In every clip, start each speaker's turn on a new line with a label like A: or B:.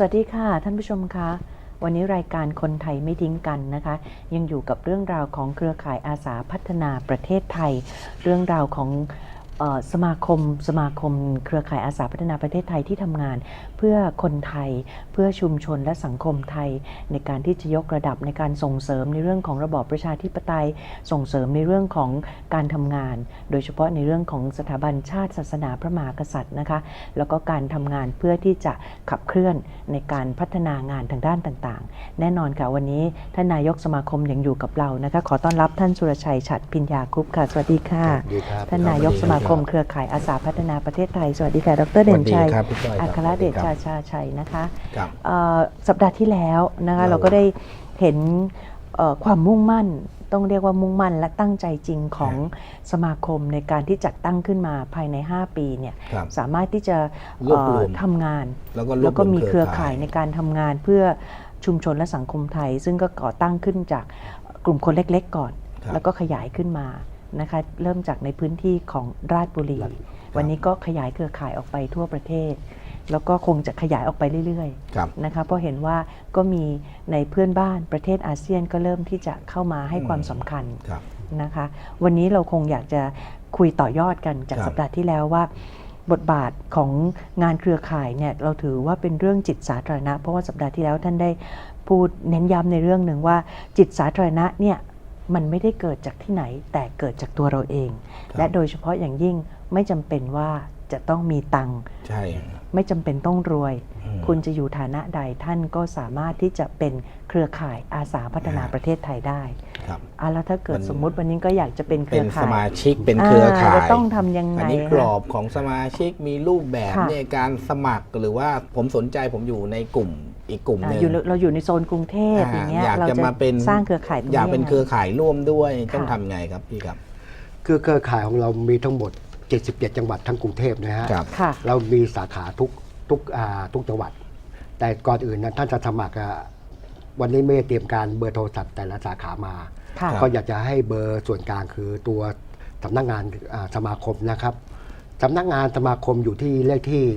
A: วัสดีค่ะท่านผู้ชมคะวันนี้รายการคนไทยไม่ทิ้งกันนะคะยังอยู่กับเรื่องราวของเครือข่ายอาสาพัฒนาประเทศไทยเรื่องราวของสมาคมเครือข่ายอาสาพัฒนาประเทศไทยที่ทำงานเพื่อคนไทยเพื่อชุมชนและสังคมไทยในการที่จะยกระดับในการส่งเสริมในเรื่องของระบอบประชาธิปไตยส่งเสริมในเรื่องของการทำงานโดยเฉพาะในเรื่องของสถาบันชาติศาสนาพระมหากษัตริย์นะคะแล้วก็การทำงานเพื่อที่จะขับเคลื่อนในการพัฒนางานทางด้านต่างๆแน่นอนค่ะวันนี้ท่านนายกสมาคมยังอยู่กับเรานะคะขอต้อนรับท่านสุรชัยฉัตรพิญญาคุปต์ค่ะสวัสดีค่ะท่านนายกสมาคมเครือข่ายอาสาพัฒนาประเทศไทยสวัสดีค่ะดร.เด่นชัยอัครเดชชาชัยนะคะสัปดาห์ที่แล้วนะคะเราก็ได้เห็นความมุ่งมั่นต้องเรียกว่ามุ่งมั่นและตั้งใจจริงของสมาคมในการที่จัดตั้งขึ้นมาภายใน5ปีเนี่ยสามารถที่จะทำงานแล้วก็มีเครือข่ายในการทำงานเพื่อชุมชนและสังคมไทยซึ่งก็ก่อตั้งขึ้นจากกลุ่มคนเล็กๆก่อนแล้วก็ขยายขึ้นมานะคะเริ่มจากในพื้นที่ของราชบุรีวันนี้ก็ขยายเครือข่ายออกไปทั่วประเทศแล้วก็คงจะขยายออกไปเรื่อยๆนะคะเพราะเห็นว่าก็มีในเพื่อนบ้านประเทศอาเซียนก็เริ่มที่จะเข้ามาให้ความสำคัญนะคะวันนี้เราคงอยากจะคุยต่อยอดกันจากสัปดาห์ที่แล้วว่าบทบาทของงานเครือข่ายเนี่ยเราถือว่าเป็นเรื่องจิตสาธารณะเพราะว่าสัปดาห์ที่แล้วท่านได้พูดเน้นย้ำในเรื่องหนึ่งว่าจิตสาธารณะเนี่ยมันไม่ได้เกิดจากที่ไหนแต่เกิดจากตัวเราเองและโดยเฉพาะอย่างยิ่งไม่จำเป็นว่าจะต้องมีตังค์ไม่จำเป็นต้องรวยคุณจะอยู่ฐานะใดท่านก็สามารถที่จะเป็นเครือข่ายอาสาพัฒนาประเทศไทยได้แล้วถ้าเกิดสมมุติวันนี้ก็อยากจะเป็นเครือข่าย
B: เป็นสมาชิกเป็นเครือข่าย
A: ต้องทำยังไง
B: อันนี้กรอบของสมาชิกมีรูปแบบในการสมัครหรือว่าผมสนใจผมอยู่ในกลุ่มอีกกลุ่มนึง
A: เราอยู่ในโซนกรุงเทพอย่างเงี้ยเราจะมาเป็นสร้างเครือข่าย
B: อยากเป็นเครือข่ายร่วมด้วยต้องทำไงครับพี่ครับ
C: คือเครือข่ายของเรามีทั้งหมด77จังหวัดทั้งกรุงเทพนะฮะเรามีสาขาทุกจังหวัดแต่ก่อนอื่นนะท่านจะสมัครวันนี้ไม่ได้เตรียมการเบอร์โทรศัพท์แต่ละสาขามาก็อยากจะให้เบอร์ส่วนกลางคือตัวสำนักงานสมาคมนะครับสำนักงานสมาคมอยู่ที่เลขที่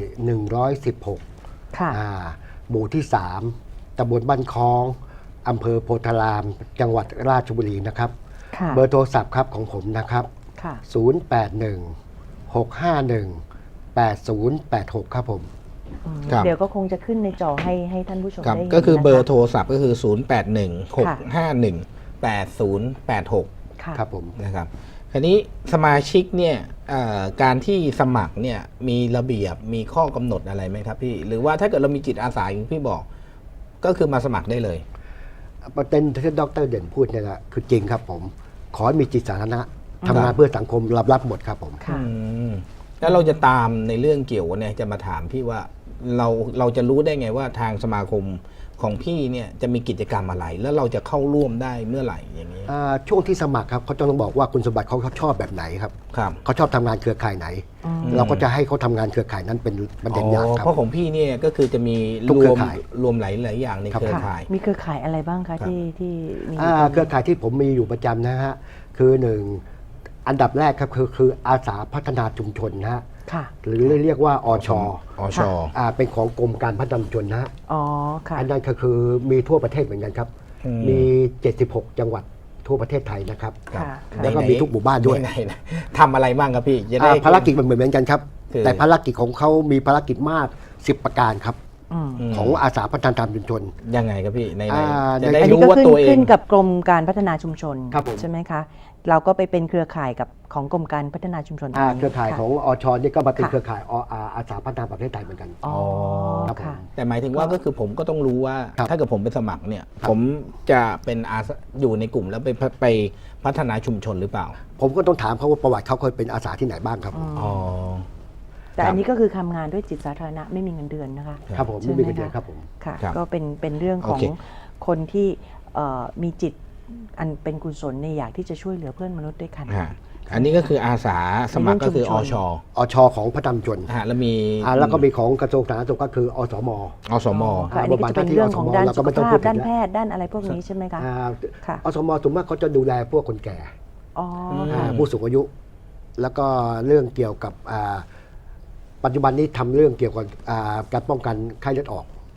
C: 116หมู่ที่3ตำบลบ้านคลองอำเภอโพธารามจังหวัดราชบุรีนะครับเบอร์โทรศัพท์ครับของผมนะครับ081-651-8086ครับผม
A: เดี๋ยวก็คงจะขึ้นในจอให้ท่านผู้ชมได้เห็น
B: ก็คือเบอร์โทรศัพท์ก็คือ081-651-8086
C: ครับผม
B: นะครับคราวนี้สมาชิกเนี่ยการที่สมัครเนี่ยมีระเบียบมีข้อกำหนดอะไรไหมครับพี่หรือว่าถ้าเกิดเรามีจิตอาสาอย่างพี่บอกก็คือมาสมัครได้เลย
C: ประเด็นที่ดร.เด่นพูดเนี่ยนะคือจริงครับผมขอมีจิตสาธารณะทำงานเพื่อสังคมรับหมดครับผม
B: แล้วเราจะตามในเรื่องเกี่ยวเนี่ยจะมาถามพี่ว่าเราจะรู้ได้ไงว่าทางสมาคมของพี่เนี่ยจะมีกิจกรรมอะไรแล้วเราจะเข้าร่วมได้เมื่อไหร่อย่างนี้
C: ช่วงที่สมัครครับเขาจะต้องบอกว่าคุณสมบัติเขาชอบแบบไหนครับเขาชอบทำงานเครือข่ายไหนเราก็จะให้เขาทำงานเครือข่ายนั้นเป็นประเด็นอย่างครับ
B: เพราะของพี่เนี่ยก็คือจะมีรวมหลายอย่างในเครือข่าย
A: มีเครือข่ายอะไรบ้างคะที่มี
C: เครือข่ายที่ผมมีอยู่ประจำนะฮะคือ1อันดับแรกครับคืออาสาพัฒนาชุมชนนะฮะหรือเรียกว่าอช.เป็นของกรมการพัฒนาชุมชนนะฮะอันนั้นก็คือมีทั่วประเทศเหมือนกันครับมี76จังหวัดทั่วประเทศไทยนะครับแล้วก็มีทุกหมู่บ้านด้วย
B: ทำอะไรบ้างครับพี่
C: ภารกิจเหมือนกันครับแต่ภารกิจของเขามีภารกิจมาก10ประการครับของอาสาพัฒนาชุมชน
B: ยังไงครับพี่ใน
A: จะได้รู้ว่าตัวเองขึ้นกับกรมการพัฒนาชุมชนใช่ไหมคะเราก็ไปเป็นเครือข่ายกับของกรมการพัฒนาชุมชน
C: เครือข่ายของอช.นี่ก็มาเป็นเครือข่ายอาสาพัฒนาประเทศไทยเหมือนกัน
B: แต่หมายถึงว่าก็คือผมก็ต้องรู้ว่าถ้าเกิดผมไปสมัครเนี่ยผมจะเป็นอยู่ในกลุ่มแล้วไปพัฒนาชุมชนหรือเปล่า
C: ผมก็ต้องถามเขาว่าประวัติเขาเคยเป็นอาสาที่ไหนบ้างครับ
A: แต่อันนี้ก็คือทำงานด้วยจิตสาธารณะไม่มีเงินเดือนนะคะ
C: ครับผมไม่มีเงินเดือนครับผม
A: ค่ะก็เป็นเรื่องของคนที่มีจิตอันเป็นกุศลในอยากที่จะช่วยเหลือเพื่อนมนุษย์ด้วยกัน
B: อันนี้ก็คืออาสาสมัครก็คืออ
C: ช.ของพัฒนาชุมชน
B: แล้ว
C: ก็มีของกระทรวงสาธารณสุขก็คืออสม.
A: อันนี้ก็จะเป็นเรื่องของด้านสุขภาพด้านแพทย์ด้านอะไรพวกนี้ใช่ไหมคะ
C: อสม.ส่วนมากเขาจะดูแลพวกคนแก่ผู้สูงอายุแล้วก็เรื่องเกี่ยวกับปัจจุบันนี้ทำเรื่องเกี่ยวกับการป้องกันไข้เลือดออก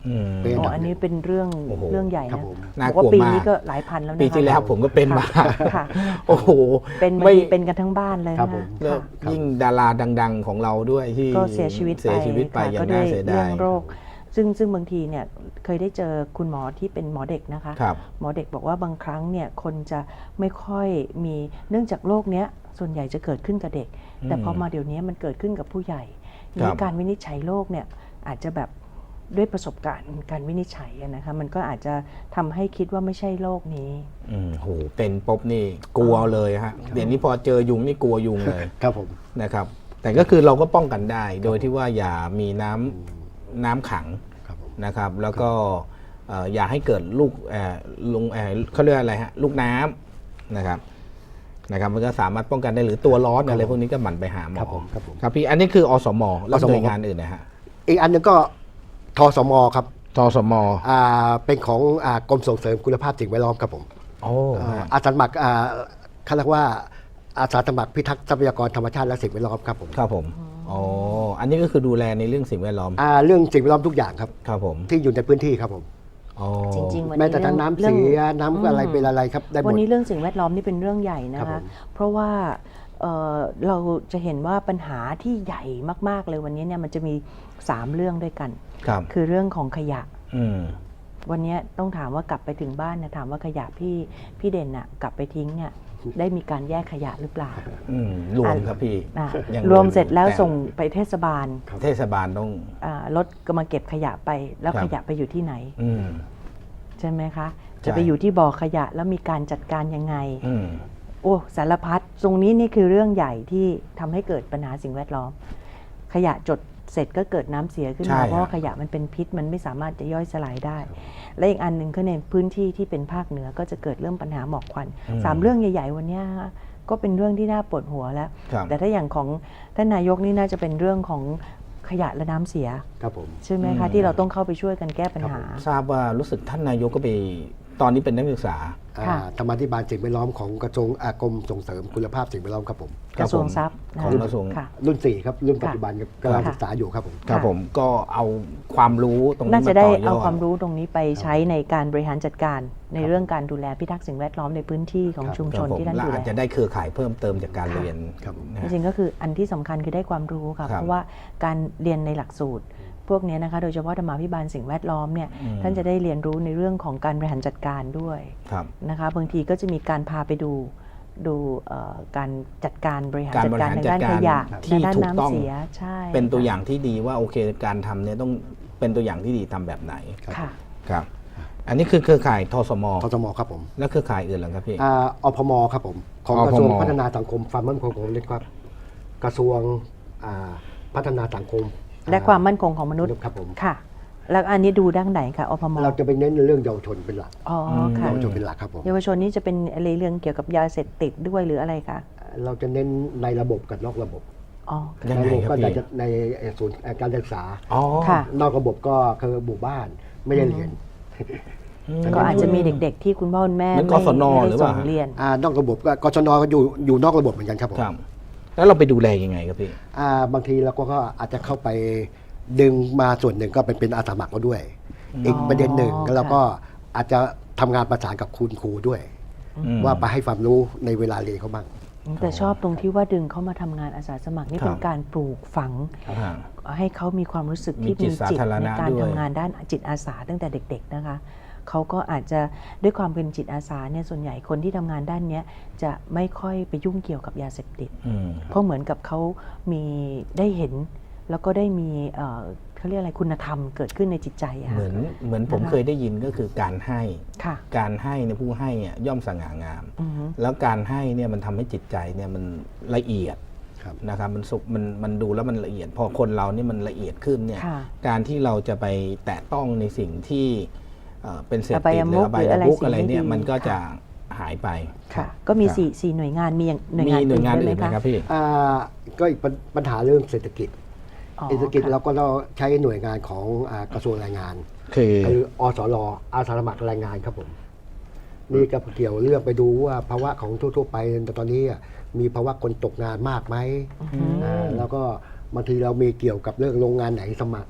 C: เป็น
A: อ๋ออันนี้เป็นเรื่อง
B: โอ้โห
A: เรื่องใหญ่
C: ครับ
A: นะ
C: ผม
B: น่า
A: บอก
B: กลั
A: ว่าว ปี
B: มาก
A: นี้ก็หลายพันแล้วนะคะ
B: ปีที่แล้วผมก็เป็นมา
A: ค่ะ
B: โอ้โห
A: เป็นบาง
B: ไม่
A: ทีเป็นกันทั้งบ้านเลย
C: ครับ
A: นะ
C: ผม
B: แล้ว
A: ค่ะ
B: ยิ่งดาราดัง ๆของเราด้วยที่
A: ก็เสียชีวิตไป
B: เสียชีวิตไป
A: ค่ะ
B: อย่า
A: ก็
B: ง
A: ด้ว
B: น่าย เสีย
A: เรื่
B: ดา
A: อย งโรค ซึ่งบางทีเนี่ยเคยได้เจอคุณหมอที่เป็นหมอเด็กนะคะ
B: ครับ
A: หมอเด็กบอกว่าบางครั้งเนี่ยคนจะไม่ค่อยมีเนื่องจากโรคเนี้ยส่วนใหญ่จะเกิดขึ้นกับเด็ก แต่พอมาเดี๋ยวนี้มันเกิดขึ้นกับผู้ใหญ่
B: ครั
A: นี่
B: บ
A: การวินิจฉัยโรคเนี่ยอาจจะแบบด้วยประสบการณ์การวินิจฉัยอะนะคะมันก็อาจจะทำให้คิดว่าไม่ใช่โรคนี้
B: โหเป็นปุ๊บนี่กลัวเลยฮะเดี๋ยวนี้พอเจอยุงนี่กลัวยุงเลย
C: ครับผม
B: นะครับ แต่ก็คือเราก็ป้องกันได้ โดยที่ว่าอย่ามีน้ำขัง
C: ครับผม
B: นะครับ แล้วก็อย่าให้เกิดลูกเขาเรียกอะไรฮะลูกน้ำนะครับมันก็สามารถป้องกันได้หรือตัวร้อนอะไรพวกนี้ก็หมั่นไปหาหมอ
C: ครับผมครับผม
B: ครับพี่อันนี้คืออสมแล้ว
C: อสม
B: หน่วยงานอื่นนะฮะ
C: อีกอันหนึงก็ทสมครับ
B: ทสม
C: เป็นของกรมส่งเสริมคุณภาพสิ่งแวดล้อมครับผม
B: โอ้
C: อาสาสมัครเขาเรียกว่าอาสาสมัครพิทักษ์ทรัพยากรธรรมชาติและสิ่งแวดล้อมครับผม
B: ครับผมอ๋ออันนี้ก็คือดูแลในเรื่องสิ่งแวดล้อม
C: เรื่องสิ่งแวดล้อมทุกอย่างครับ
B: ครับผม
C: ที่อยู่ในพื้นที่ครับผม
B: อ๋อ
A: จริงๆวัน
C: แม้
A: นี้
C: แต่ทั้งน้ำเสียน้ำอะไรเป็นอะไรครับได้หม
A: วัน
C: ด
A: นี้เรื่องสิ่งแวดล้อมนี่เป็นเรื่องใหญ่นะ
C: ครั
A: คะ
C: บผม
A: เพราะว่าเราจะเห็นว่าปัญหาที่ใหญ่มากๆเลยวันนี้เนี่ยมันจะมี3เรื่องด้วยกัน
B: ครับ
A: คือเรื่องของขยะ
B: อืม
A: วันนี้ต้องถามว่ากลับไปถึงบ้านนะถามว่าขยะพี่เด่นน่ะกลับไปทิ้งเนี่ยได้มีการแยกขยะหรือเปล่า
B: รวมครับพี่
A: อ่ะ
B: ยัง
A: รวมเสร็จแล้ว
B: ต่
A: ส่งไปเทศบาล
B: เทศบาลต้อง
A: รถก็มาเก็บขยะไปแล้ว
B: ครับ
A: ขยะไปอยู่ที่ไหน
B: อืม
A: ใช่ไหมคะ
B: ใช่
A: จะไปอยู่ที่บ่อขยะแล้วมีการจัดการยังไง
B: อืม
A: โอ้สารพัดตรงนี้นี่คือเรื่องใหญ่ที่ทำให้เกิดปัญหาสิ่งแวดล้อม ขยะจดเสร็จก็เกิดน้ำเสียขึ้น
B: ใช่
A: มาเพราะว่า
B: ครับ
A: ขยะมันเป็นพิษมันไม่สามารถจะย่อยสลายได้ และอีกอันหนึ่งก็ในพื้นที่ที่เป็นภาคเหนือก็จะเกิดเรื่องปัญหาหมอกควัน3เรื่องใหญ่ๆวันนี้ก็เป็นเรื่องที่น่าปวดหัวแล้ว
B: ครับ
A: แต่ถ้าอย่างของท่านนายกนี่น่าจะเป็นเรื่องของขยะและน้ำเสีย
C: ครับผม
A: ใช่ไหมคะที่เราต้องเข้าไปช่วยกันแก้ปัญหา
B: ทราบว่ารู้สึกท่านนายกก็ไปตอนนี้เป็นนักศึกษา
A: ค่ะ
C: ธรรมาธิบาลสิ่งแวดล้อมของกระทรวงกรมส่งเสริมคุณภาพสิ่งแวดล้อมครับผม
A: กระทรวงทรัพย์
B: ของกระทรวง
A: ค่ะ
C: รุ่น4ครับรุ่นปัจจุบันครับกำลัง
A: ค่ะ
C: ศึกษาอยู่ครับผม
B: ครับผมก็เอาความรู้ตรงนี้
A: น่า
B: มา
A: จะได้
B: ต่อย
A: เอา
B: อด
A: ความรู้ตรงนี้ไปใช้ในการบริหารจัดการในเรื่องการดูแลพิทักษ์สิ่งแวดล้อมในพื้นที่ของชุม
B: ค
A: ช
B: รับ
A: น
B: ผม
A: ที่ท่าน
B: และ
A: ดูแล
B: อาจจะได้เครือข่ายเพิ่มเติมจากการเรียน
C: ครับ
B: นะ
A: จ
B: ฮะ
A: ริงๆก็คืออันที่สำคัญคือได้ความรู้ค่ะ
B: ครับ
A: เพราะว่าการเรียนในหลักสูตร พวกนี้นะคะโดยเฉพาะธรรมาภิบาลสิ่งแวดล้อมเนี่ยท่านจะได้เรียนรู้ในเรื่องของการบริหารจัดการด้วย
B: ครับ
A: นะคะบางทีก็จะมีการพาไปดูการจัดการบริหาร
B: การ
A: จัด
B: บริ
A: การ
B: หาร
A: ในด้าน
B: จัด
A: ข
B: การ
A: ยะ
B: ที่
A: ในด้าน
B: ถูกต้อง
A: น้ำเสียใช่
B: เป็นตัวอย่างที่ดีว่าโอเคการทำเนี่ยต้องเป็นตัวอย่างที่ดีทำแบบไหน
A: ค่ะ
B: ครับ อันนี้คือเครือข่ายทสม
C: ทสมครับผม
B: และเครือข่ายอื่นเหรอครับพี่
C: อพมครับผมของ
B: อพม
C: กระทรวงพัฒนาสังคมความมั่นคงของมนุษย์ครับกระทรวงพัฒนาสังคม
A: และความมั่นคงของมนุษย์
C: ครับผม
A: ค่ะ แล้วอันนี้ดูด้านไหนคะอพม
C: เราจะไปเน้นในเรื่องเยาวชนเป็นหลัก
A: อ๋อค่ะ
C: เยาวชนเป็นหลักครับผม
A: เยาวชนนี่จะเป็นอะไรเรื่องเกี่ยวกับยาเสพติดด้วยหรืออะไรคะ
C: เราจะเน้นในระบบกับนอกระบบ
A: อ๋อ
B: ยัง
C: ใน
B: ไง
C: ระบบ
B: ครับ
C: ก็
B: พี่
C: จะในศูนย์การศึกษา
B: อ๋อ
A: ค่ะ
C: นอกระบบก็คือหมู่บ้านไม่ได้เรียน
A: ก็อาจจะมีเด็กๆที่คุณพ่อคุณแม่
B: เหมือนกศน
A: ไม่
B: หรือ
A: ได้
B: เป
A: ส่
B: ล่า
A: งเรียน
C: นอกระบบก็กศนก็อยู่นอกระบบเหมือนกันครับผม
B: ครับ แล้วเราไปดูแลยังไงครับพี่
C: บางทีเราก็อาจจะเข้าไปดึงมาส่วนหนึ่งก็เป็นอาสาสมัครมาด้วย อีกประเด็นหนึ่ง
A: ค่ะ
C: เราก็อาจจะทำงานประสานกับคุณครูด้วย ว่าไปให้ความรู้ในเวลาเรียนเขาบ้าง
A: แต่ชอบตรงที่ว่าดึงเขามาทำงานอาสาสมัครนี่
B: ครับ
A: เป็นการปลูกฝัง
B: อ่า
A: ให้เขามีความรู้สึกที่
B: มีจิต
A: มีจิต
B: สาธาร
A: ใน
B: ณะ
A: การ
B: ด้วย
A: ทำงานด้านจิตอาสาตั้งแต่เด็ก ๆนะคะเขาก็อาจจะด้วยความเป็นจิตอาสาเนี่ยส่วนใหญ่คนที่ทำงานด้านเนี้ยจะไม่ค่อยไปยุ่งเกี่ยวกับยาเสพติด
B: อืม
A: เพราะเหมือนกับเขามีได้เห็น แล้วก็ได้มีเขาเรียกอะไรคุณธรรมเกิดขึ้นในจิตใจอะ
B: เห
A: ค่ะ
B: มือนผม
A: นะคะ
B: เคยได้ยินก็คือการให้
A: ค่ะ
B: การให้เนี่ยผู้ให้เนี่ยย่อมสง่างาม
A: อือฮึ
B: แล้วการให้เนี่ยมันทำให้จิตใจเนี่ยมันละเอียด
C: ครับ
B: นะครับมันสุขมันดูแล้วมันละเอียด พอคนเราเนี่ยมันละเอียดขึ้นเนี่ย
A: ค่ะ
B: การที่เราจะไปแตะต้องในสิ่งที่เป็นเสพ
A: อบา
B: ติ
A: ย
B: ดห
A: มุ
B: รือ
A: ข
B: อบา
A: หรื
B: ย
A: ออะไร
B: มุก
A: สิ่ง
B: อะไร
A: ไม่
B: เนี่ย
A: ดี
B: มันก็จะ
A: ค่ะ
B: หายไป
A: ค่ะ ก็มี
B: ครับ
A: สี่หน่วยงานมีอย่างหน่วย
B: มี
A: งาน
B: หน่วยงาน
A: ด้ว
B: อื่นไหมครับพี่
C: ก็อีกปัญหาเรื่องเศรษฐกิจ
A: อ๋อ
C: เศรษฐกิจ
A: ค่ะ
C: เราก็ต้องใช้หน่วยงานของกระทรวงแรงงาน
B: คือ
C: คืออสรอาสาสมัครแรงงานครับผมนี่ก็เกี่ยวเรื่องไปดูว่าภาวะของทั่วๆไปตอนนี้มีภาวะคนตกงานมากไหมแล้วก็บางทีเรามีเกี่ยวกับเรื่องโรงงานไหนสมัคร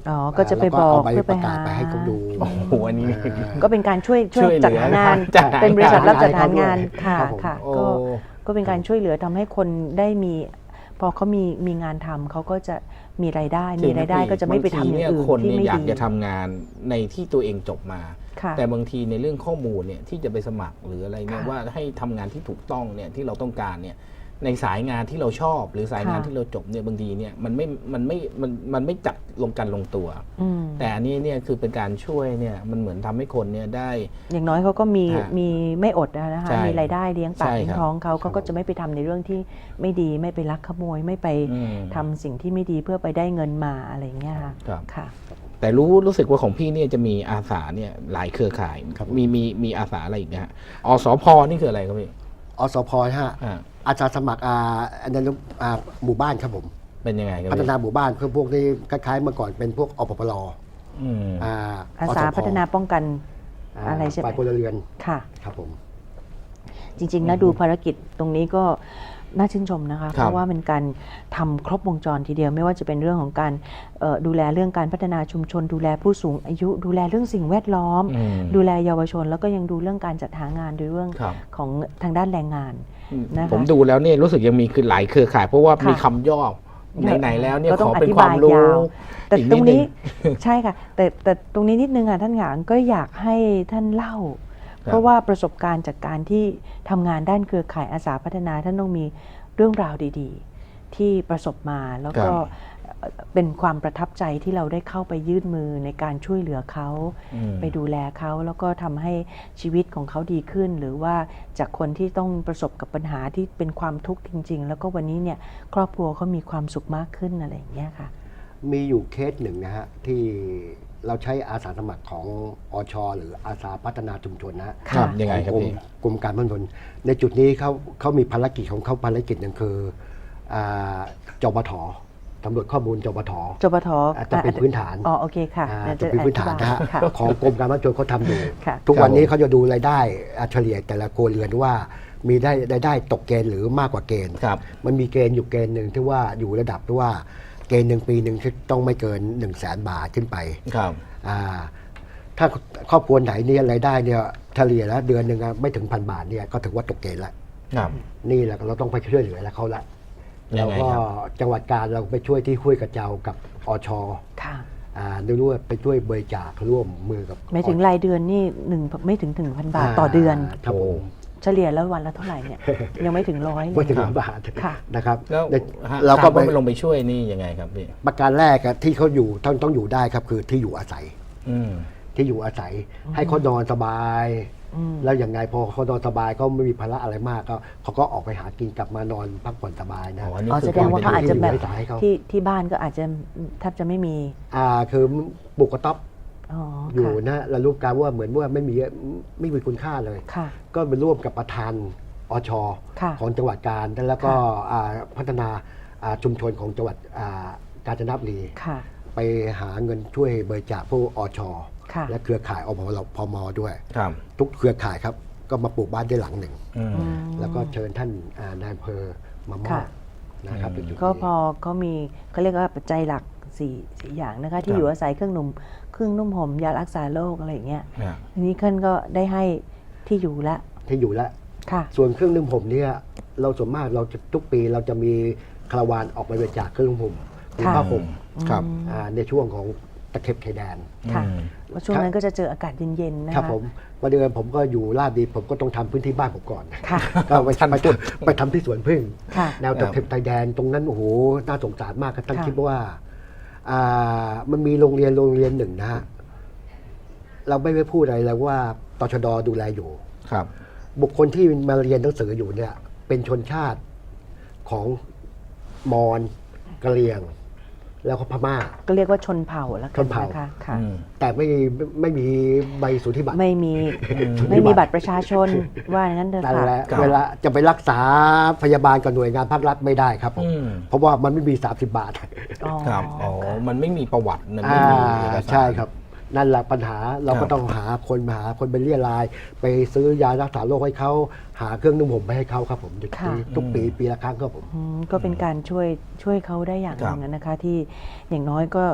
A: อ๋อก็จะไปบอก
C: แล้ว
A: เพื่อ
C: ป
A: ไประ
C: กา
A: หา
C: ศไปให้เขาดู
B: โอ้โหอันนี้
A: ก็เป็นการช่วย
B: ช่วยเหลือ
A: จัดหางาน
B: จัดหางาน
A: เป็นบริษัทรับจัดหางาน
C: ครั
A: ค่ะ
C: บผม
A: ค่ะ
B: โอ้
A: ก็เป็นการช่วยเหลือทำให้คนได้มี พอเขามีงานทำเขาก็จะมีรายได้ก็จะไม่ไปทำอย่างอื่น
B: บางทีเยคน
A: ที่
B: เนี่ย
A: ไม่
B: อยาก
A: ดี
B: จะทำงานในที่ตัวเองจบมา
A: ค่ะ
B: แต่บางทีในเรื่องข้อมูลเนี่ยที่จะไปสมัครหรืออะไรเนี่ย
A: ค่ะ
B: ว่าให้ทำงานที่ถูกต้องเนี่ยที่เราต้องการเนี่ยในสายงานที่เราชอบ หรือสายงาน
A: ค่ะ
B: ที่เราจบเนี่ยบางทีเนี่ยมันไม่จับลงตัว
A: อืม
B: แต่อันนี้เนี่ยคือเป็นการช่วยเนี่ยมันเหมือนทำให้คนเนี่ยได้
A: อย่างน้อยเขาก็มี
B: ฮะ
A: มีไม่อดนะคะ
B: ใช่
A: มีรายได้เลี้ยงปาก
B: ใช่
A: เลี้ย
B: ครั
A: ง
B: บ
A: ท้องเขาก็จะไม่ไปทำในเรื่องที่ไม่ดีไม่ไปลักขโมยไม่ไป
B: อืม
A: ทำสิ่งที่ไม่ดีเพื่อไปได้เงินมาอะไรอย่างเงี้ยค่ะ
B: ครับ
A: ค่ะ
B: แต่รู้สึกว่าของพี่เนี่ยจะมีอาสาเนี่ยหลายเครือข่าย
C: ครับ
B: มีอาสาอะไรอีกนะฮะอสพนี่คืออะไรครับพี่
C: อสพฮะ
B: อ่า
C: อาสาสมัครในหมู่บ้านครับผม
B: เป็นยังไงครับ
C: พัฒ
B: พี่
C: นาหมู่บ้านเพื่อพวกที่คล้ายๆเมื่อก่อนเป็นพวกอปปล
B: อืม
A: อาสาพัฒนาป้องกันอะไรใช่ไหม
C: ฝ่ายพลเรือน
A: ค่ะ
C: ครับผม
A: จริงๆนะดูภารกิจตรงนี้ก็น่าชื่นชมนะคะ
B: ครับ
A: เพราะว่าเป็นการทำครบวงจรทีเดียวไม่ว่าจะเป็นเรื่องของการดูแลเรื่องการพัฒนาชุมชน ดูแลผู้สูงอายุ ดูแลเรื่องสิ่งแวดล้อม
B: อืม
A: ดูแลเยาวชน แล้วก็ยังดูเรื่องการจัดหางานโดยเรื่อง
B: ครับ
A: ของทางด้านแรงงานนะคะ
B: ผมดูแล้วเนี่ยรู้สึกยังมีคือหลายเครือข่าย เพราะว่า
A: ค่ะ
B: มีคำย่อไหนๆแล้วเนี่ย
A: ก็
B: ข
A: ต้อง
B: อเป็นความรู้
A: อธิบายยาว แต่
B: อีก
A: ตรงนี้
B: ดง
A: ใช่ค่ะแต่ตรงนี้นิดนึงค่ะท่านหงางก็อยากให้ท่านเล่า
B: ครับ
A: เพราะว่าประสบการณ์จากการที่ทำงานด้านเครือข่ายอาสาพัฒนาท่านต้องมีเรื่องราวดีๆ ที่ประสบมาแล้วก็เป็นความประทับใจที่เราได้เข้าไปยื่นมือในการช่วยเหลือเขา
B: อืม
A: ไปดูแลเขาแล้วก็ทำให้ชีวิตของเขาดีขึ้น หรือว่าจากคนที่ต้องประสบกับปัญหาที่เป็นความทุกข์จริง ๆ แล้วก็วันนี้เนี่ยครอบครัวเขามีความสุขมากขึ้นอะไรอย่างเงี้ยค่ะ
C: มีอยู่เคสหนึ่งนะฮะที่เราใช้อาสาสมัครของอชหรืออาสาพัฒนาชุมชนนะฮะ
A: ครับ
B: ยังไงครับ
C: กรม
B: พี่
C: กรมการพัฒนาชุมชนในจุดนี้เขามีภารกิจของเขาภารกิจหนึ่งคือจปทตำรวจข้อมูลจปท
A: จปท
C: จะเป็นพื้นฐาน
A: อ๋อโอเคค่ะ
C: จะเป็นพื้นฐานนะฮะ
A: ค่ะ
C: ของกรมการพัฒนาชุมชนเขาทำอยู่
A: ค่ะ
C: ทุกวันนี้
B: ครับผม
C: เขาจะดูรายได้เฉลี่ยแต่ละครัวเรือนว่ามีได้ตกเกณฑ์หรือมากกว่าเกณฑ์
B: ครับ
C: มันมีเกณฑ์อยู่เกณฑ์หนึ่งที่ว่าอยู่ระดับที่ว่าเกณฑ์หนึ่งปีหนึ่งต้องไม่เกิน 100,000 บาทขึ้นไป
B: ครับ
C: ถ้าครอบครัวไหนเนี่ยรายได้เนี่ยเฉลี่ยแล้วเดือนหนึ่งไม่ถึง1,000 บาทเนี่ยก็ถือว่าตกเกณฑ์แล้ว
B: ครับ
C: นี่แหละเราต้องไปช่วยเหลือแล้วเขาละ
B: ยั
C: แล้ว
B: งไง
C: ก็
B: ครับ
C: จังหวัดการเราไปช่วยที่ห้วยกระเจ้ากับอช
A: ค่ะ
C: ไม่รู้ว่าไปช่วยบริจาคร่วมมือกับ
A: ไม่ถึงรายเดือนนี่ไม่ถึง 1,000 บาทต่อเดือน
C: ครับผม
A: เฉลี่ยแล้ววันละเท่าไหร่เนี่ย ยังไม่ถึง100เล
C: ไม่
A: ย
C: ถึง
B: ครับ
C: 1,000 บาท
A: ค่ะ
C: นะครับ
B: แล้ว
C: เราก็
B: ไปลงไปช่วยนี่ยังไงครับพี่
C: ประการแรกอะที่เขาอยู่ต้องอยู่ได้ครับคือที่อยู่อาศัย
B: อืม
C: ที่อยู่อาศัยให้เขานอนสบาย
A: อืม
C: แล้วอย่างไงพอเขานอนสบายก็ไม่มีภาระอะไรมากก็เขาก็ออกไปหากินกลับมานอนพักผ่อนสบายนะ
B: อ๋ออันนี้
A: อ๋อ
B: คื
A: แสดงว่าเขาอาจจะแบบ
C: ที่อยู่อาศัยเขา
A: ที่บ้านก็อาจจะแทบจะไม่มี
C: คือปลูกกระต๊อบ
A: อ๋อ
C: อยู่
A: ค่ะ
C: นะเรารู้การว่าเหมือนว่าไม่มีคุณค่าเลย
A: ค่ะ
C: ก็ไปร่วมกับประธานอช
A: ค่ะ
C: ของจังหวัดกาญแล้วก็พัฒนาชุมชนของจังหวัดกาญจนบุรี
A: ค่ะ
C: ไปหาเงินช่วยบริจาคผู้อช
A: ค่ะ
C: และเครือข่ายอพมด้วย
B: ครับ
C: ทุกเครือข่ายครับก็มาปลูกบ้านได้หลังหนึ่ง
B: อืม
A: อืม
C: แล้วก็เชิญท่านนายอำเภอมามอบ
A: ค่ะ
C: นะครับในจุดนี้
A: ก็พอเขามีเขาเรียกว่าปัจจัยหลักสี่อย่างนะคะที่
B: ครับ
A: อยู่อาศัยเครื่องนุ่มห่มยารักษาโรคอะไรอย่างเงี้ย
B: อ่า
A: ทีนี้ท่านก็ได้ให้ที่อยู่ละ
C: ที่อยู่แล้ว
A: ค่ะ
C: ส่วนเครื่องนึ่งผมเนี่ยเราส่วนมากเราจะทุกปีเราจะมีคาราวานออกไปบริจาคเครื่องนึ่งผมหรือ
A: ค่ะ
C: ผ้าห่ม
B: ครับ
C: ในช่วงของตะเข็บชายแดน
A: ค่ะ
B: อืม
A: เพราะช่วงนั้นก็จะเจออากาศเย็นๆนะ
C: ครับ
A: คะ
C: ผมวันเดือนผมก็อยู่ลาดดีผมก็ต้องทำพื้นที่บ้านผมก่อน
A: ค่ะ
C: ก็ไปทำที่สวนพึ่ง
A: ค่ะ
C: แนวตะเข็บชายแดนตรงนั้นโอ้โหน่าสงสารมากครับท่าน
A: ค่ะ
C: คิดว่ามันมีโรงเรียนหนึ่งนะฮะเราไม่ได้พูดอะไรแล้วว่าตชดดูแลอยู่
B: ครับ
C: บุคคลที่มาเรียนหนังสืออยู่เนี่ย เป็นชนชาติของมอญกะเหรี่ยง แล้วก็พม่า
A: ก็เรียกว่าชนเผ่าแล้วกั
C: ชนเผ่า
A: นะคะค่ะ
B: อืม
C: แต่ไม่มีใบสุทธิบัตร
A: ไม่มีไม่มีบัตรประชาชนว่าอย่างนั้นเถอะ
C: นั่น
A: ค่ะ
C: แหละ
B: ครับ
C: เวลาจะไปรักษาพยาบาลกับหน่วยงานภาครัฐไม่ได้ครับผม
B: อืม
C: เพราะว่ามันไม่มี 30 บาท
A: อ๋อ
B: ครับ อ๋อ
A: ค่ะ
B: มันไม่มีประวัติมันไม่มีเอกสาร
C: ใช่ครับ นั่นแหละปัญหาเรา
B: ครั
C: ก็
B: บ
C: ต้องหาคนไปเรียราย ไปซื้อยารักษาโรคให้เขาหาเครื่องนุ่มห่มไปให้เขาครับผมทุกปีละครั้งครับผม
A: ก็เป็นการช่วยเขาได้อย่างหนึงนะคะที่อย่างน้อยก็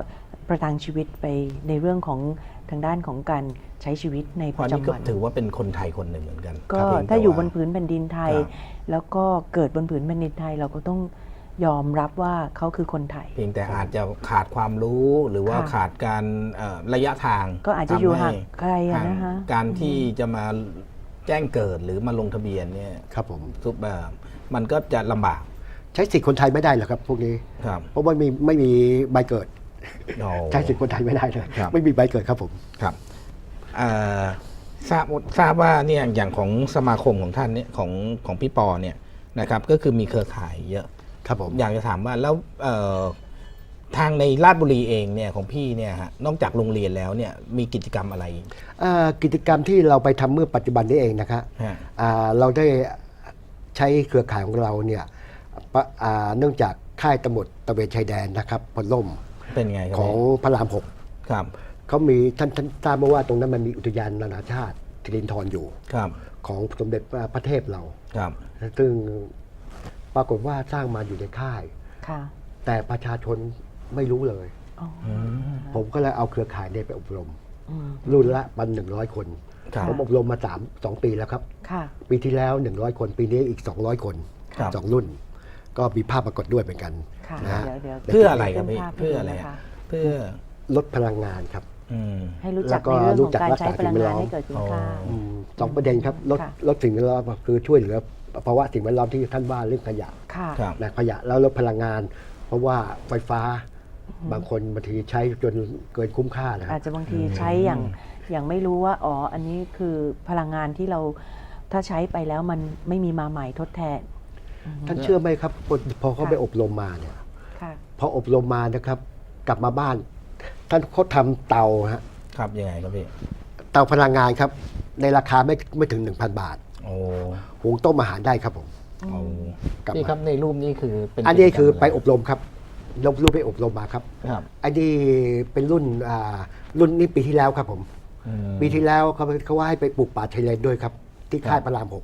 A: ประทังชีวิตไปในเรื่องของทางด้านของการใช้ชีวิตใน
B: เพ
A: ประ
B: ราะนี่
A: จำ
B: ก็
A: วัน
B: ถือว่าเป็นคนไทยคนหนึ่งเหมือนกัน
A: ก็
B: ครับเพีง
A: ถ้า
B: แต่
A: อยู่
B: ว่
A: บนผืนแผ่นดินไทย
B: ครับ
A: แล้วก็เกิดบนผืนแผ่นดินไทยเราก็ต้องยอมรับว่าเขาคือคนไทย
B: เพียงแต่อาจจะขาดความรู้หรือว่า
A: ค่ะ
B: ขาดการระยะทาง
A: ก็อาจจะอยู่
B: ทำให้
A: ห่างไกลอะนะคะ
B: การที่จะมาแจ้งเกิดหรือมาลงทะเบียนเนี่ย
C: ครับผม
B: ทุกแบบมันก็จะลำบาก
C: ใช้สิทธิ์คนไทยไม่ได้หรอกครับพวกนี้
B: ครับ
C: เพราะว่าไม่มีใบเกิด
B: โอ้
C: ใช้สิทธิ์คนไทยไม่ได้เลย
B: ครับ
C: ไม่มีใบเกิดครับผม
B: ครับเอ่อทราบว่าเนี่ยอย่างของสมาคมของท่านเนี่ยของพี่ปอเนี่ยนะครับก็คือมีเครือข่ายเยอะ
C: ครับผม
B: อยากจะถามว่าแล้วทางในราชบุรีเองเนี่ยของพี่เนี่ยฮะนอกจากโรงเรียนแล้วเนี่ยมีกิจกรรมอะไร
C: กิจกรรมที่เราไปทำเมื่อปัจจุบันนี้เองนะครับ
B: ฮะ
C: เราได้ใช้เครือข่ายของเราเนี่ยเนื่องจากค่ายตำรวจตระเวนชายแดนนะครับพลล่ม
B: เป็นไงครับ
C: ของพระราม
B: ครับ
C: 6เขามีท่านทราบมาว่าตรงนั้นมันมีอุทยานนานาชาติสิรินธรอยู่
B: ครับ
C: ของสมเด็จพระเทพเรา
B: ครับ
C: ซึ่งปรากฏว่าสร้างมาอยู่ในค่าย
A: ค่ะ
C: แต่ประชาชนไม่รู้เลย
A: อ๋อ
C: ผมก็เลยเอาเครือข่ายเนี่ยไปอบรม
A: อืม
C: รุ่นละ100 คน
B: ครับ
C: ผมอบรมมา2 ปีแล้วครับ
A: ค่ะ
C: ปีที่แล้ว100 คนปีนี้อีก200 คน
B: ครับ
C: 2 รุ่น ก็มีภาพปรากฏด้วยเหมือนกัน
A: ค่ะ
C: นะฮะ
A: เดี๋ยว
B: เพื่ออะไรครับพี่
A: ขึ้นภาพให้
B: เพื่อ
A: ดู
B: อะไร
A: นะคะ
B: เพื่อ
C: ลดพลังงานครับ
B: อืม
A: ให้รู้
C: แล้
A: จัก
C: วก็
A: ในเรื่อง
C: รู้
A: ของ
C: จัก
A: การ
C: รักษา
A: ใช้พลังงาน
C: สิ่งแวดล้อม
A: ให้เกิดคุณค่า
C: สองประเด็นครับลด
A: ค่ะ
C: ลดสิ่งแวดล้อมคือช่วยเหลือภาวะสิ่งแวดล้อมที่ท่านว่าเรื่องขยะ
A: ค่ะ
B: ครับ
C: นะขยะแล้วลดพลังงาน เพราะว่าไฟฟ้าบางคนบางทีใช้จนเกินคุ้มค่านะค
A: อา
C: รั
A: จ
C: บ
A: จะบางทีใช้อย่างไม่รู้ว่าอ๋ออันนี้คือพลังงานที่เราถ้าใช้ไปแล้วมันไม่มีมาใหม่ทดแทน
C: ท่านเชื่อไหมครับพอเขา
A: ค่ะ
C: ไปอบรมมาเนี่ย
A: ค่ะ
C: พออบรมมานะครับ กลับมาบ้าน ท่านเขาทำเตาฮะ
B: ครับยังไงครับพี่
C: เตาพลังงานครับ ในราคาไม่ถึง 1,000 บาท
B: โอ้
C: หุงต้มอาหารได้ครับผม
B: โอ้
C: กลับมา
B: พี่ครับในรูปนี้คือเป็น
C: อันนี้คือ
B: กิจกรรมะร
C: ไปอบรมครับรูปไปอบรมมาครับ
B: ครับ
C: อันนี้เป็นรุ่นนี้ปีที่แล้วครับผม
B: อืม
C: ปีที่แล้วเขาว่าให้ไปปลูกป่าชายเลนด้วยครับ ที่ค่ายพระราม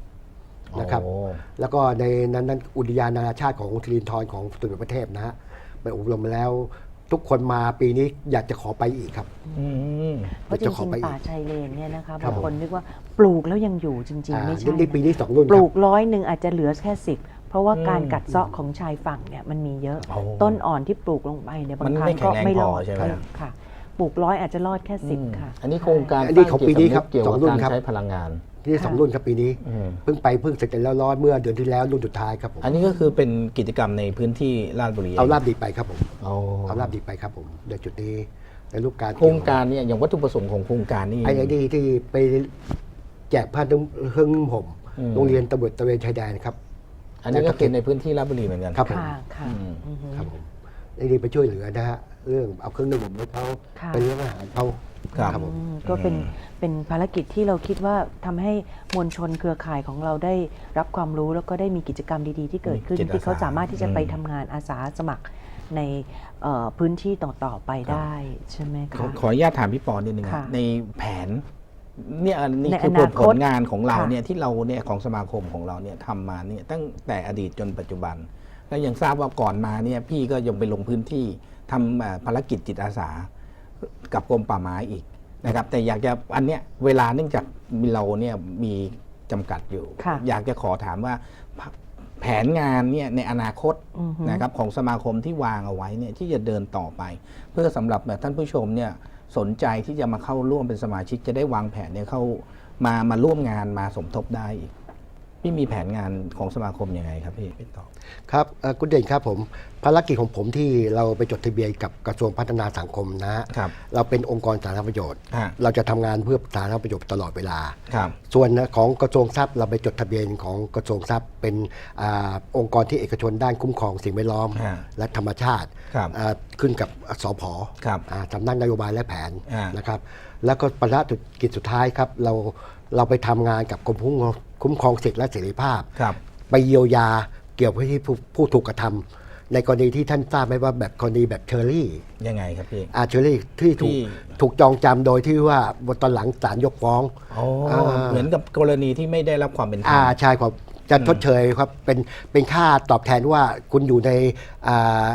C: 6 นะครับ
B: โอ้
C: แล้วก็ในนั้นอุทยานนานาชาติของสิรินธรของสมเด็จพระเทพนะฮะไปอบรมมาแล้ว ทุกคนมาปีนี้อยากจะขอไปอีกครับ
B: อืม
A: เพราะจ
C: จะข
A: ริ
C: อง ไปอีก
A: ๆป่าชายเลนเนี่ยนะคะ
C: ครับ
A: บางคน
C: ผม
A: นึกว่าปลูกแล้วยังอยู่จริง ๆ ไม่ใช่
C: นี่ปีนี้ 2 รุ่น
A: ป
C: ค
A: ลู
C: รับ
A: ก100อาจจะเหลือแค่10เพราะว่าการกัดเซาะของชายฝั่งเนี่ยมันมีเยอะ
B: โอ้
A: ต้นอ่อนที่ปลูกลงไปเนี่ยบาง
B: มัน
A: ครั้
B: ไม่
A: ง
B: แข็
A: ก็
B: งแรง
A: ไม่ร
B: พ
A: อ
B: อ
A: ด
B: ใช่ไหม
A: ค่ะปลูก100อาจจะรอดแค่10ค่ะ
B: อันนี้โครงการ
C: อันนี้ของปีนี้ครับ
B: เกี่ยวกับ
C: 2 รุ่น
B: การ
C: ครับ
B: ใช้พลังงาน
C: ที่ 2 รุ่นครับปีนี้
B: อืม
C: เพิ่งเสร็จแล้วร้อนเมื่อเดือนที่แล้วรุ่นสุดท้ายครับผม
B: อันนี้ก็คือเป็นกิจกรรมในพื้นที่ราชบุรี
C: เอาลาบดีไปครับผม
B: โอ้
C: เอาลาบดีไปครับผมในจุดนี้ในรูปการ
B: โครงการเนี่ยอย่างวัตถุประสงค์ของโครงการนี่
C: ไอ้นี่ที่ไปแจกผ้าเครื่องนุ่งห่ม
B: อืม
C: โรงเรียนตำรวจตระเวนชายแดนครับ
B: อันนี้ก็คือในพื้นที่ราชบุรีเหมือนกัน
C: ครับผม
A: ค่ะค่ะ
B: อืม
A: อือฮึ
C: ครับผมไอ้นี่ไปช่วยเหลือนะฮะเรื่องเอาเครื่องนุ่งห่มให้เขา
A: ค่ะ
C: เป็นเรื่องอาหารเขา
B: ครับ
C: ครับผม
A: ก็เป็นภารกิจที่เราคิดว่าทำให้มวลชนเครือข่ายของเราได้รับความรู้แล้วก็ได้มีกิจกรรมดีๆ ที่เกิดขึ้น
B: จิตอาสา
A: ที่เขาสามารถที่จะไป
B: อืม
A: ทำงานอาสาสมัครในพื้นที่ต่อๆไปได้ใช่ไหม
B: ขอ
A: คะ
B: ขออนุญาตถามพี่ปอนิดนึง
A: ค่ะ
B: ในแผนเนี่ยอันนี้
A: ใน
B: คือ
A: อนาคต
B: ผลงานของเรา
A: ค่ะ
B: เนี่ยที่เราเนี่ยของสมาคมของเราเนี่ยทำมาเนี่ยตั้งแต่อดีตจนปัจจุบัน และยังทราบว่าก่อนมาเนี่ยพี่ก็ยังไปลงพื้นที่ทำภารกิจจิตอาสากับกรมป่าไม้อีกนะครับ แต่อยากจะอันเนี้ยเวลาเนื่องจากเราเนี่ยมีจำกัดอยู่
A: ค่ะ
B: อยากจะขอถามว่าแผนงานเนี่ยในอนาคต
A: อือฮึ
B: นะครับของสมาคมที่วางเอาไว้เนี่ยที่จะเดินต่อไป เพื่อสำหรับท่านผู้ชมเนี่ยสนใจที่จะมาเข้าร่วมเป็นสมาชิกจะได้วางแผนเนี่ยเข้ามาร่วมงานมาสมทบได้อีกพี่มีแผนงานของสมาคมยังไงครับพี่ตอบ
C: ครับคุณเด่นครับผมภารกิจของผมที่เราไปจดทะเบียนกับกระทรวงพัฒนาสังคมนะฮะ
B: ครับ
C: เราเป็นองค์กรสาธารณประโยชน์
B: ฮะ
C: เราจะทำงานเพื่อสาธารณประโยชน์ตลอดเวลา
B: ครับ
C: ส่วนของกระทรวงทรัพย์เราไปจดทะเบียนของกระทรวงทรัพย์เป็นองค์กรที่เอกชนด้านคุ้มครองสิ่งแวดล้อม
B: ฮะ
C: และธรรมชาติ
B: ครับ
C: ขึ้นกับสผ
B: ครับ
C: สำนักนโยบายและแผน
B: ฮะ
C: นะครับ แล้วก็ภารกิจสุดท้ายครับเราไปทำงานกับกรมคุ้มครองสิทธิและเสรีภาพ
B: ครับ
C: ไปเยียวยาเกี่ยวกับที่ผู้ถูกกระทำในกรณีที่ท่านทราบไหมว่าแบบกรณีแบบเชอรี่
B: ยังไงครับพี่
C: เชอรี่ที่
B: ที่
C: ถูกจองจำโดยที่ว่าตอนหลังศาลยกฟ้อง
B: อ๋อเหมือนกับกรณีที่ไม่ได้รับความเป็นธรรม
C: ใช่ครับจะชดเชยครับเป็นค่าตอบแทนว่าคุณอยู่ใน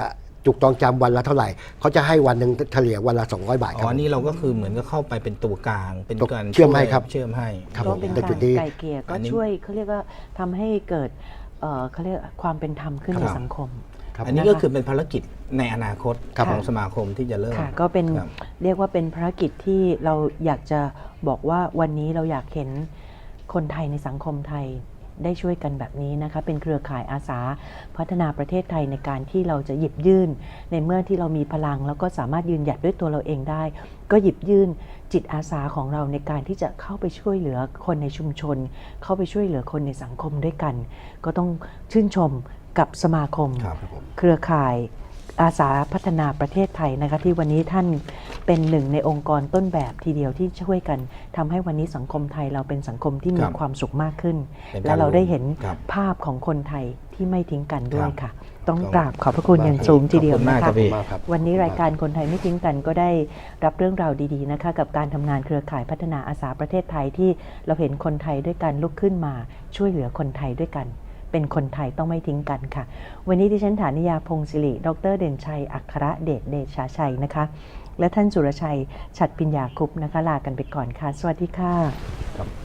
C: จุกจองจำวันละเท่าไหร่เขาจะให้วันหนึ่งเฉลี่ยวันละ200 บาทค
B: อ๋
C: รับ
B: อนี่เราก็คือเหมือนก็เข้าไปเป็นตัวกลางเป็นการ
C: เชื่อมให้ครับ
B: เชื่อมให้
C: ครับ
A: ก็เป็น
C: ใน
A: กา
C: จุ
A: ร
C: ดนี้
A: ไกลเกลี่ยก็
B: อันนี้
A: ช่วยเขาเรียกว่าทำให้เกิดเขาเรียกความเป็นธรรมขึ้น
B: ครับ
A: ในสังคม
C: ครับ
B: อันนี้ก็คือเป็นภารกิจในอนาคต
C: ครับ
B: ของสมาคมที่จะเริ่ม
A: ค่ะก็เป็น
B: ครับ
A: เรียกว่าเป็นภารกิจที่เราอยากจะบอกว่าวันนี้เราอยากเห็นคนไทยในสังคมไทยได้ช่วยกันแบบนี้นะคะเป็นเครือข่ายอาสาพัฒนาประเทศไทยในการที่เราจะหยิบยื่นในเมื่อที่เรามีพลังแล้วก็สามารถยืนหยัดด้วยตัวเราเองได้ ก็หยิบยื่นจิตอาสาของเราในการที่จะเข้าไปช่วยเหลือคนในชุมชน เข้าไปช่วยเหลือคนในสังคมด้วยกัน ก็ต้องชื่นชมกับสมาคม
B: ครับ
A: เครือข่ายอาสาพัฒนาประเทศไทยนะคะที่วันนี้ท่านเป็นหนึ่งในองค์กรต้นแบบทีเดียวที่ช่วยกันทำให้วันนี้สังคมไทยเราเป็นสังคมที่มี
B: ครับ
A: ความสุขมากขึ้น
B: เป็นการ
A: และเราได้เห็น
B: ครับ
A: ภาพของคนไทยที่ไม่ทิ้งกันด้วย
B: ครับ
A: ค่ะ ต้อง
B: ต้อง
A: กราบขอบพระคุณอย่างสูงทีเดียว
B: ขอบคุณ
A: นะ
B: มากครั
A: คะ
B: บพี่
C: มากครับ
A: วันนี้รายการคนไทยไม่ทิ้งกันก็ได้รับเรื่องราวดีๆนะคะกับการทำงานเครือข่ายพัฒนาอาสาประเทศไทยที่เราเห็นคนไทยด้วยกันลุกขึ้นมาช่วยเหลือคนไทยด้วยกัน เป็นคนไทยต้องไม่ทิ้งกันค่ะ วันนี้ดิฉันฐานิยาพงศิริดรเด่นชัยอัครเดชเดชาชัยนะคะ และท่านสุรชัยฉัตรปิญญาคุปต์นะคะลากันไปก่อนค่ะ สวัสดีค่ะ
C: ครับ